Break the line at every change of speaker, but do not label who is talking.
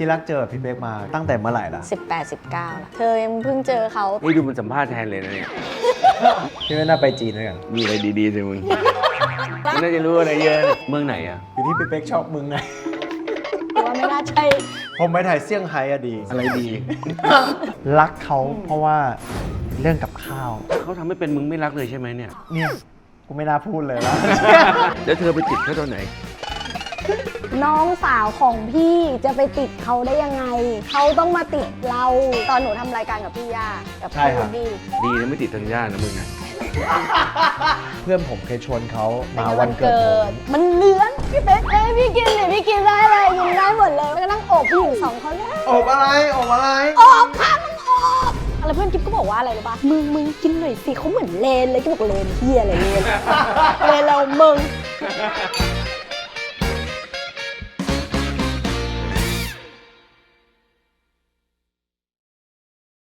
ที่รักเจอพี่เป๊กมาตั้งแต่เมื่อไหร่ล่ะ
18-19ละเธอยังเพิ่งเจอเขา
นี่ดูมันสัมภาษณ์แทนเลยนะเนี่ย
พี่ไม่น่าไปจีนด้วยกัน
มีอะไรดีๆสิมึงมันน่าจะรู้อะไรเยอะเนี่ยเมืองไหนอ่ะ
อยู่ที่พี่เป๊กชอบมึงไง
ว่าไม่น่าใช่
ผมไปถ่ายเซี่ยงไฮ้อะดี
อะไรดี
รักเขาเพราะว่าเรื่องกับข้าว
เขาทำให้เป็นมึงไม่รักเลยใช่ไหมเนี่ย
เนี่ยกูไม่น่าพูดเลยแล้ว
แล้วเธอไปติดเขาตอนไหน
น้องสาวของพี่จะไปติดเขาได้ยังไง เขาต้องมาติดเรา ตอนหนูทำรายการกับพี่ย่ากับ
ใช่
พี่
ครับ
ดี
ดีนะไม่ติดธัญญานะมึงนะ
เพื่อนผมเคยชวนเขามาวันเกิดผม
มันเลื้อนพี่เป๊กเอ้ยพี่กินเนี่ยพี่กินได้เลยกินได้หมดเลยแล้วก็นั่งโอบผู้หญิง2 คนเลย
อบอะไรอบอะไร
โอบค่ะมึงโอบอะไรเพื่อนกิ๊บก็บอกว่าอะไรรู้ป่ะมึงกินหน่อยสิเขาเหมือนเลนเลยก็บอกเลนเฮียอะไรเลนเลนเรามึง